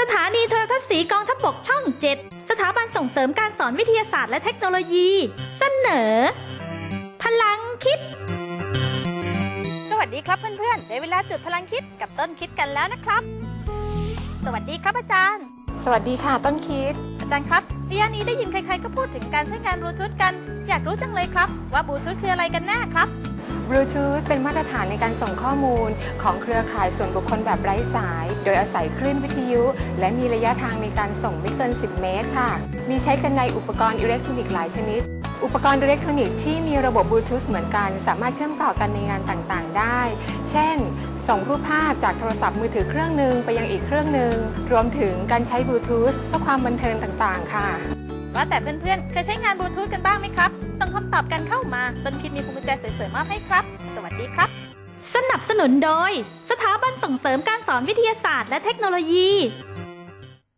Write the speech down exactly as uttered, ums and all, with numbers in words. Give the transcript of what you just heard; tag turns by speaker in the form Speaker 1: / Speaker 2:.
Speaker 1: สถานีโทรทัศน์สีกองทัพบกช่องเจ็ดสถาบันส่งเสริมการสอนวิทยาศาสตร์และเทคโนโลยี เสนอ พลังคิด
Speaker 2: สวัสดีครับเพื่อนๆได้เวลาจุดพลังคิดกับต้นคิดกันแล้วนะครับสวัสดีครับอาจารย์
Speaker 3: สวัสดีค่ะต้นคิด
Speaker 2: อาจารย์ครับระยะนี้ได้ยินใครๆก็พูดถึงการใช้งานบลูทูธกันอยากรู้จังเลยครับว่าบลูทูธคืออะไรกันแน่ครับ
Speaker 3: บลูทูธเป็นมาตรฐานในการส่งข้อมูลของเครือข่ายส่วนบุคคลแบบไร้สายโดยอาศัยคลื่นวิทยุและมีระยะทางในการส่งไม่เกินสิบเมตรค่ะมีใช้กันในอุปกรณ์อิเล็กทรอนิกส์หลายชนิดอุปกรณ์อิเล็กทรอนิกส์ที่มีระบบบลูทูธเหมือนกันสามารถเชื่อมต่อกันในงานต่างๆได้เช่นส่งรูปภาพจากโทรศัพท์มือถือเครื่องหนึ่งไปยังอีกเครื่องหนึ่งรวมถึงการใช้บลูทูธเพื่อความบันเทิงต่างๆค่ะ
Speaker 2: ว่าแต่เพื่อนๆเคยใช้งานบลูทูธกันบ้างไหมครับส่งคำตอบกันเข้ามาต้นคิดมีพวงกุญแจสวยๆมอบให้ครับสวัสดีครับ
Speaker 1: สนับสนุนโดยสถาบันส่งเสริมการสอนวิทยาศาสตร์และเทคโนโลยี